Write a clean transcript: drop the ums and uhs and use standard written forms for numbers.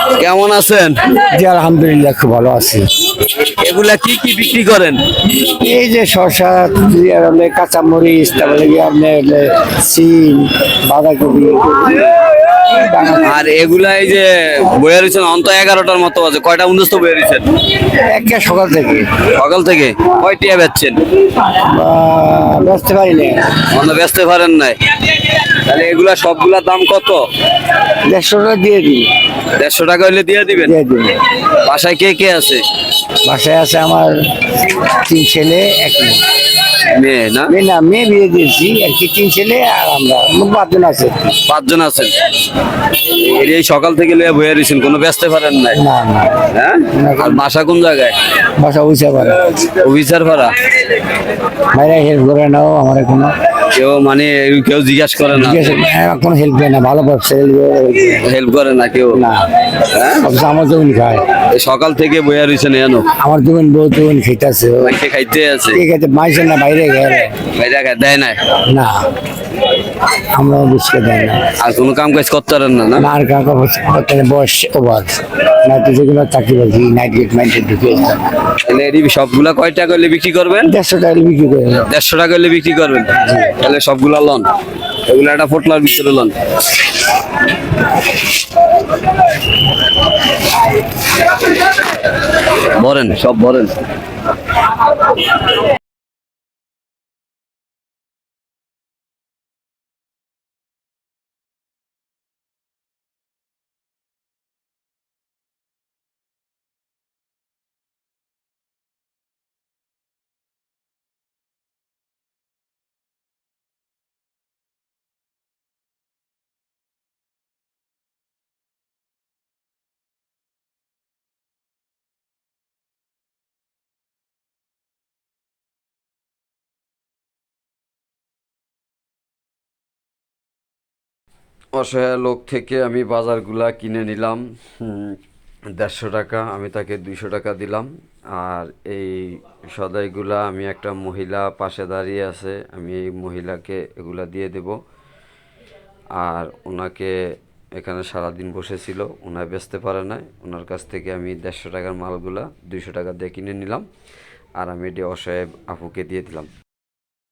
কেমন আছেন? জি আলহামদুলিল্লাহ খুব ভালো আছি। এগুলা কি কি বিক্রি করেন? এই যে শসা, কাঁচামরিচ, তারপরে কি আপনার সিম, বাঁধাকপি, আর এগুলা এই যে বয়ে রয়েছেন অন্ত 11টার মতো আছে, কয়টা উনস্ত বয়ে রয়েছেন একটা সকাল থেকে সকাল থেকে? কয়টিয়া বেচছেন? বেচতে পারি না। অন্য বেচতে পারেন নাই? তাহলে এগুলা সবগুলা দাম কত? 150 টাকা দিয়ে দিই। 150 টাকা হইলে দিয়ে দিবেন? দিয়ে দিন। বাসায় কে কে আছে? বাসায় আছে আমার 3 ছেলে 1 মেয়ে। মেয়ে না? মেয়ে না, মেয়ে বিয়ে দিয়েছি আর কি, 3 ছেলে আর আমরা মোট 5 জন আছে। 5 জন আছেন। এই সকাল থেকে লিয়ে বয়ে রয়েছেন, কোনো বেচতে পারেন নাই? না না, হ্যাঁ? আর বাসা কোন জায়গায়? বাসা বুঝতে পারে অফিসার ভাড়া? ভাইরা হেল্প করে নাও আমার কোনো কেউ মানে কেউ জিজ্ঞাসা করে না? কোনো হেল্প করে না, ভালো ব্যবসা হেল্প করে না কেউ? না। হ্যাঁ? অবশ্য আমার জমিন খায়, এই সকাল থেকে বইয়া রয়েছেন এনো? আমার জমিন বউ জমিন খেতেছে, মাইকে খাইতে আছে? ঠিক আছে মাইছে না বাইরে গেলে বাইরে দেয় না? না, আমরা বুঝতে দেয় না। আর কোনো কাম কাজ করতে পারেন না? না না আর কাকা বয়স ওভার না, তো যেগুলো চাকরি বাকরি নাইট গেট মাইন্ডে ঢুকে তাহলে এই সবগুলা কয় টাকা হলে বিক্রি করবেন? 150 টাকা বিক্রি করে। 150 টাকা হলে বিক্রি করবেন? তাহলে সবগুলা লন, এগুলো একটা পোটলার ভিতরে লন। ভরেন, সব ভরেন। অসহায় লোক থেকে আমি বাজারগুলা কিনে নিলাম। 150 টাকা, আমি তাকে 200 টাকা দিলাম। আর এই সদাইগুলা আমি একটা মহিলা পাশে দাঁড়িয়ে আছে, আমি এই মহিলাকে এগুলা দিয়ে দেব। আর ওনাকে এখানে সারাদিন বসেছিল, ওনার বেচতে পারে নাই, ওনার কাছ থেকে আমি 150 টাকার মালগুলা 200 টাকা দিয়ে কিনে নিলাম। আর আমি এটি অসহায় আপুকে দিয়ে দিলাম।